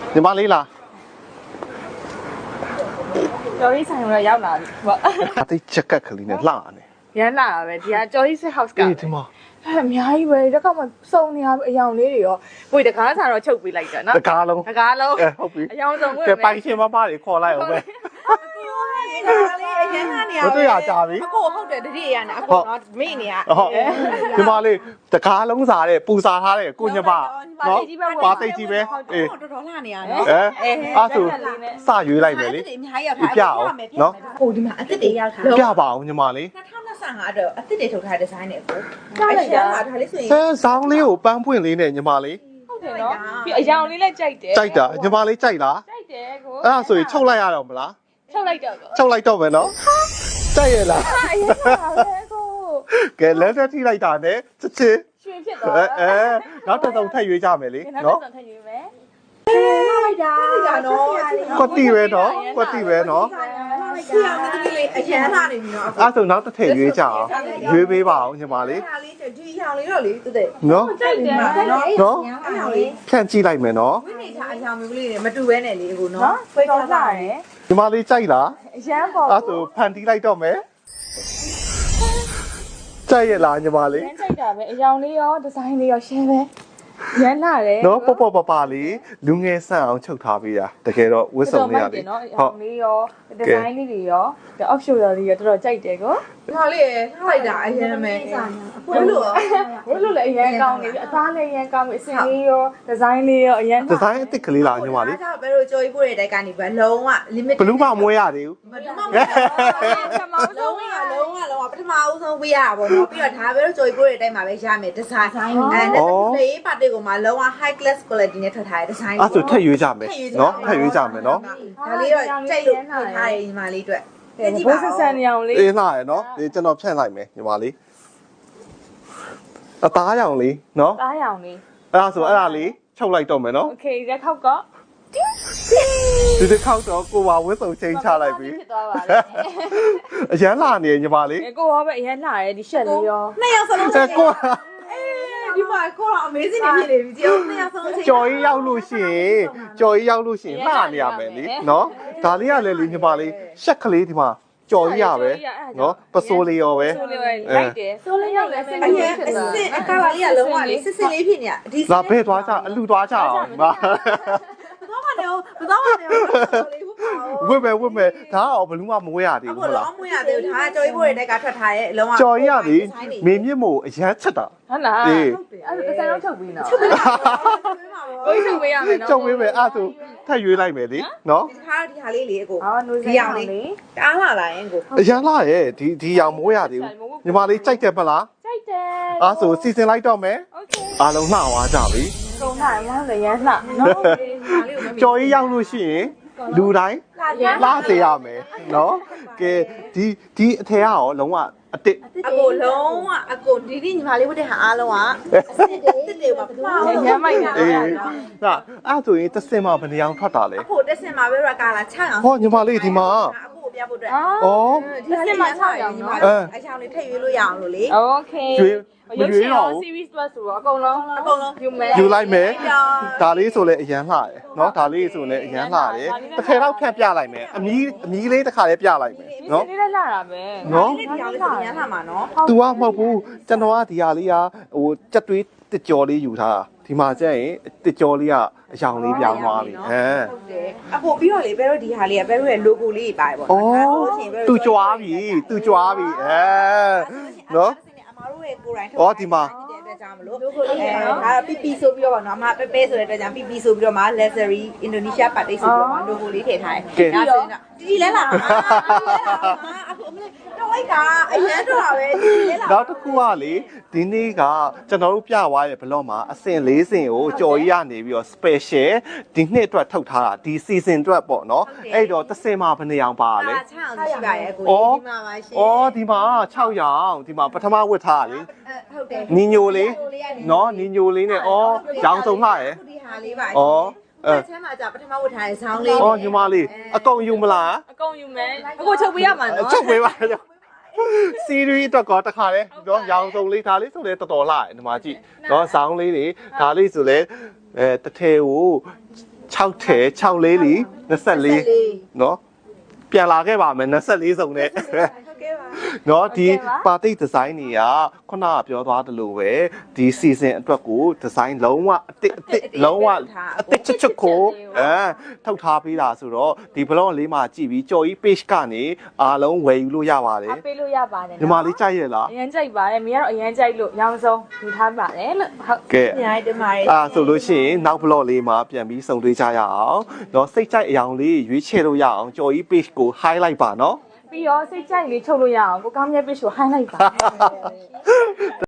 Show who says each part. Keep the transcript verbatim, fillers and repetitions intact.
Speaker 1: ညီမလေးလား
Speaker 2: ကျော်ကြီးဆိုင်ရောရောက်လာပြီပေါ့
Speaker 1: အသိချက်ကက်ကလေးနဲ့လှနေ
Speaker 2: ရမ်းလာတာပဲဒီကကျော်ကြီးစစ် house က
Speaker 1: အေးဒီမှာ
Speaker 2: အဲ့အများကြီးပဲတက်ကမှစုံနေရအယောင်လေးတွေရောကိုယ်တကားစားတော့ချုပ်ပေးလိုက်တာနော်
Speaker 1: တကားလုံး
Speaker 2: တကားလုံး
Speaker 1: အဲဟုတ်ပြီ
Speaker 2: အယောင်စုံဝင်
Speaker 1: ကဲပိုင်ရှင်မမတွေခေါ်လိုက်အောင်ပဲ
Speaker 2: အရင်ကနေရ
Speaker 1: မတွေ့ရကြပြီ
Speaker 2: အကိုဟုတ်တယ်တတိယရနေအကိုနော်မိနေရ
Speaker 1: ဟုတ်ဒီမှာလေးတကားလုံးစားတဲ့ပူစားထားတဲ့ကိုညမနော်ပါသိကြီးပဲအေး
Speaker 2: တော်တော်လှနေရနော်
Speaker 1: အဲအဲ့ဆိုစရွေးလိုက်မယ်လေ
Speaker 2: အများကြီးရောက်ထား
Speaker 1: ပြအောင်နော်
Speaker 2: ဟိုဒီမှာအစ်စ်တွေရောက်ထား
Speaker 1: ပြပါအောင်ညီမလေး
Speaker 2: ၂၀၂၅အတွက်အစ်စ်တွေထုတ်ထားတဲ့ဒီဇိုင်းနဲ့အကိုကြားလိုက်တာဒါလေးဆိုရင်
Speaker 1: ဆန်းဆောင်းလေးကိုပန်းပွင့်လေးနဲ့ညီမလေး
Speaker 2: ဟုတ်တယ်နော်ပြီးအယောင်လေးလည်းကြိုက်တယ်
Speaker 1: ကြိုက်တာညီမလေးကြိုက်လား
Speaker 2: ကြိုက်တယ်ကို
Speaker 1: အဲ့ဒါဆိုရင်ချုပ်လိုက်ရတော့မလား
Speaker 2: ချုပ်လိုက်တော့
Speaker 1: ချုပ်လိုက်တော့မယ်နော်ကြိုက်ရလား
Speaker 2: အရင်ကပဲကို
Speaker 1: ကဲလက်သက်ထိလိုက်တာနဲ့ချစ်ချစ်
Speaker 2: ရွှေဖြစ်သွား
Speaker 1: အဲနောက်တစ်စုံထပ်ရွေးကြမယ်လေ
Speaker 2: နော်နောက်တစ်စုံထပ်ရွေးမယ်အေးလိုက်တာဒါနော်
Speaker 1: ကွက်တီပဲနော်ကွက်တီပဲနော်
Speaker 2: ဆီအောင်တကယ်လေးအရန်လာနေပြီနော်
Speaker 1: အဲ့ဆိုနောက်တစ်ထည့်ရွေးကြအောင်ရွေးပေးပါအောင်ညီမလေး
Speaker 2: ဒါလေးဒီအရောင်လေးတော့လေတူတယ်
Speaker 1: နော်
Speaker 2: ကြိုက်တယ်နော်
Speaker 1: နော်
Speaker 2: အရောင်လေး
Speaker 1: ဖြန့်ကြည့်လိုက်မယ်နော်
Speaker 2: ဝိနေချာအရောင်မျိုးလေးတွေမတူဘဲနဲ့လေအခုနော်ဖိတ်တော်လာတယ်
Speaker 1: ညီမလေးကြိုက်လား
Speaker 2: အရန်ပေါ့
Speaker 1: အဲ့ဆိုဖန်တီးလိုက်တော့မယ်ကြိုက်ရလားညီမလေး
Speaker 2: ရန်ကြိုက်တာပဲအရောင်လေးရောဒီဇိုင်းလေးရောရှင်းပဲရမ်းလာတယ်
Speaker 1: နော်ပေါ့ပေါ့ပပလေးလူငယ်ဆန့်အောင်ချုပ်ထားပေးတာတကယ်တော့ဝစ်စုံလေးရတယ်
Speaker 2: နော်ဟုတ်လေးရောဒီဇိုင်းလေးတွေရောဒီ option လေးရောတော်တော်ကြိုက်တယ်ကိုဒါလေးရထားလိုက်တာအရင်ပဲဘယ်လိုဘယ်လိုလဲအရင်ကောင်းနေပြီအသားလည်းအရင်ကောင်းပြီအစင်လေးရောဒီဇိုင်းလေးရောအရင်
Speaker 1: ဒီဇိုင်းအစ်စ်ကလေးလားညီမလေး
Speaker 2: ဒါဘယ်လိုကြော်ကြီးပို့တဲ့တိုက်ကနေပဲလုံးဝ limit
Speaker 1: ဘလူးမမွေးရသေးဘူး
Speaker 2: ဘလူးမမွေးရပထမဦးဆုံးကလုံးဝလုံးဝပထမဦးဆုံးပေးရပါဘောနော်ပြီးတော့ဒါပဲလို့ကြော်ကြီးပို့တဲ့တိုက်မှာပဲရမယ်ဒီဇိုင်းအဲနဲ့လေးပါတီကိုမှလုံးဝ high class quality နဲ့ထွက်ထားတဲ့ဒီဇိုင်း
Speaker 1: အဲ့ဆိုထည့်ရွေးကြမယ်နော်ထည့်ရွေးကြမယ်နော်
Speaker 2: ဒါလေးတော့ကြိုက်လို့ထွက်ထားရညီမလေးအတွက်ဘိုးဆက်ဆန်နေအောင်လေး
Speaker 1: အေးလှရယ်နော်ဒီကျွန်တော်ဖြန့်လိုက်မယ်ညီမလေးအသားရောင်လေးနော်
Speaker 2: သားရောင်လေး
Speaker 1: အဲ့ဒါဆိုအဲ့ဒါလေးချုပ်လိုက်တော့မယ်နော်
Speaker 2: โอเคရက်ခောက်က
Speaker 1: ဒီတစ်ခေါက်တော့ကိုပါဝစ်စုံချင်းချလိုက်ပြီ
Speaker 2: ဖြစ်သွားပါလေ
Speaker 1: အရန်လာနေညီမလေး
Speaker 2: ကိုရောပဲအရန်လာတယ်ဒီရှက်လေးရောနှစ်ယောက်စလုံးချင်း
Speaker 1: ကို
Speaker 2: ဒီမှာကိုတော့ amazing နေဖြစ်နေပြီဒီအောင်နှစ်ယောက်စလုံးချင်း
Speaker 1: ကြော်ကြီးရောက်လို့ရှိရင်ကြော်ကြီးရောက်လို့ရှိရင်လှနေရမယ်လေနော်ဒါလေးကလည်းလေညီမလေးရှက်ကလေးဒီမှာကြော်ရရပဲနော်ပစိုးလေးရောပဲ
Speaker 2: ပစိုးလေးလိုက်တယ်စိုးလေးရောက်လဲစင်လေးဖြစ်သွားတယ်အကားလေးကလုံးဝလေးစစ်စစ်လေးဖြစ်နေတာ
Speaker 1: ဒီလာဘဲသွားကြအလူသွားကြအောင်ဒီမှာ
Speaker 2: ဘာမှလည်းဘာမှလည်း
Speaker 1: ဝစ်မယ်ဝစ်မယ်ဒါကတော့ဘလူးမမဝဲရသေးဘူးဟုတ်လား
Speaker 2: မဝဲရသေးဘူးဒါကကြော်ကြီးဖို့တဲ့ကထွက်ထားရဲ့အလုံးဝ
Speaker 1: ကြော်ရရသည်မင်းမြင့်မို့အရန်ချက်တာ
Speaker 2: ဟုတ်လားအေးအဲ့ဒါတစ်ဆိုင်တော့ချုပ်ပြီးနော်ချုပ်ပြီးပါကိုကြီးချုပ်ပေးရမယ်နော်
Speaker 1: ချုပ်ပေးမယ်အဲ့ဆိုထပ်ရွေးလိုက်မယ်လေနော်
Speaker 2: ဒီခါဒီဟာလေးလေအကိုဒီအောင်လေးတအားလာလာရင်ကို
Speaker 1: အရန်လာရဲ့ဒီဒီအောင်မဝဲရသေးဘူးညီမလေးကြိုက်တယ်မလား
Speaker 2: ကြိုက်တယ်
Speaker 1: အဲ့ဆိုစီစဉ်လိုက်တော့မယ်โอเคအားလုံးလှသွားကြပြီ
Speaker 2: ကုန်လာရမ်းလည်းရမ်းလှနော်
Speaker 1: ကြော်ကြီးရောက်လို့ရှိရင်လူတိုင်းလာစေရမယ်နော်ကဲဒီဒီအထက်ရောလုံးဝအတစ်
Speaker 2: အကိုလုံးဝအကိုဒီဒီညီမလေးဝတ်တဲ့ဟာအားလုံးကအစ်စ်တွေတွေပါပါရမ်းမိုက်နေတာ
Speaker 1: အေးဟာအဲ့ဆိုရင်တစ်စင်မှာဘယ်နှအောင်ထွက်တာလဲ
Speaker 2: အကိုတစ်စင်မှာပဲရကာလာချအောင်
Speaker 1: ဟောညီမလေးဒီမှာ
Speaker 2: အကိုပြဖို့အတွက်
Speaker 1: ဩ
Speaker 2: ဒီစင်မှာချအောင်ညီမလေးအချောင်းလေးထည့်ရွေးလို့ရအောင်လို့လေโอเค
Speaker 1: ရွေးမရွေးတော့
Speaker 2: series တွက်ဆိုတော့အကုန်လုံးအကုန်လုံးယူမယ်
Speaker 1: ယူလိုက်မယ်ဒါလေးဆိုလဲအရန်လှတယ်เนาะဒါလေးဆိုလဲအရန်လှတယ်တစ်ထည်တော့ဖြတ်ပြလိုက်မယ်အမီးအမီးလေးတစ်ခါလေးပြလိုက်မယ်
Speaker 2: เนาะဒီလေးလှတာပဲ
Speaker 1: เนาะ
Speaker 2: ဒီလေးဆိုအရန်လှမှာเนาะ
Speaker 1: तू ကမဟုတ်ဘူးကျွန်တော်ကဒီဟာလေးကဟိုကြက်တွေးတစ်ကြော်လေးယူထားတာဒီမှာကျရင်တစ်ကြော်လေးကအယောင်လေးပြောင်းသွားပြီဟမ်
Speaker 2: ဟုတ်တယ်အဖို့ပြီးတော့လေဘဲတို့ဒီဟာလေးကဘဲတို့ရဲ့ logo လေးပါတယ်ပေါ့
Speaker 1: နော်ဩ तू ကြွားပြီ तू ကြွားပြီအဲเนาะ
Speaker 2: အမတို့ရဲ့ကိုယ်တိုင်
Speaker 1: ထုတ်ဩဒီမှာ
Speaker 2: ကြောင့်မလို့အဲဒါပီပီဆိုပြီးတော့ပါနော်အမပဲပဲဆိုတဲ့အတွက်ကြောင့်ပီပီဆိုပြီးတော့မှ luxury Indonesia party ဆိုပြီးတော့မှ logo လေးထည့်ထားတယ်ဒါဆိုရင်တော့တီတီလဲလာအခုအမလေးတော့လိုက်တာအရန်တော့ပဲတီတီလဲလာ
Speaker 1: နောက်တစ်ခုကလေဒီနေ့ကကျွန်တော်တို့ပြသွားရဲ့ဘလော့မှာအစင်လေးစင်ကိုကြော်ကြီးရနေပြီးတော့ special ဒီနှစ်အတွက်ထုတ်ထားတာဒီ season အတွက်ပေါ့နော်အဲ့တော့တစ်စင်မှာဘယ်နှရောင်ပါလဲ
Speaker 2: 6ရောင်ရှိပါရဲ့ကိုဒီမှာပါရှင်
Speaker 1: ဩဒီမှာ6ရောင်ဒီမှာပထမဝတ်ထားတာလေ
Speaker 2: ဟုတ်တယ်
Speaker 1: နီညိုလေးနော်နီညိုလေးနဲ့ဩရောင်စုံလှရဲ့
Speaker 2: ဒီဟာလေးပါ
Speaker 1: ဩအဲ
Speaker 2: ဆမ်းမှာじゃပထမဝတ်ထားတဲ့ဆောင်းလေး
Speaker 1: ဩညီမလေးအကုန်ယူမလား
Speaker 2: အကုန်ယူမယ်အခုချုပ်ပေးရမှာနော်
Speaker 1: ချုပ်ပေးပါစီရီတော့ကတခါလေနော်ရောင်စုံလေးဒါလေးဆိုလဲတော်တော်လှရဲ့ဒီမှာကြည့်နော်ဆောင်းလေးတွေဒါလေးဆိုလဲအဲတထဲကို၆ထဲ၆လေးလီ၂၄နော်ပြန်လာခဲ့ပါမယ်၂၄စုံနဲ့ နော်ဒီပါတိတ်ဒီဇိုင်းတွေကခုနကပြောသွားတယ်လို့ပဲဒီ season အတွက်ကိုဒီဇိုင်းလုံးဝအစ်အစ်လုံးဝအစ်ချစ်ချစ်ကိုအဲထုတ်ထားပေးတာဆိုတော့ဒီ blog လေးမှာကြည့်ပြီးကြော်ကြီး page ကနေအားလုံးဝယ်ယူလို့ရပါတယ်
Speaker 3: ပေးလို့ရပါတယ်
Speaker 1: ညီမလေးကြိုက်ရလား
Speaker 3: အရင်ကြိုက်ပါတယ်မင်းကတော့အရင်ကြိုက်လို့ရောင်းဆုံးယူထားပါတယ်လို့ဟုတ်
Speaker 1: ကဲ
Speaker 2: အများကြီးတင်ပါတယ်
Speaker 1: အာဆိုလို့ရှိရင်နောက် blog လေးမှာပြန်ပြီးစုံတွေ့ကြရအောင်နော်စိတ်ကြိုက်အယောင်လေးရွေးချယ်လို့ရအောင်ကြော်ကြီး page ကို highlight ပါနော်
Speaker 3: ပြီးတော့စိတ်ကြိုက်လေးချုပ်လို့ရအောင်ကိုကောင်းမြတ်ပစ်ကိုဟိုင်းလိုက်ပါ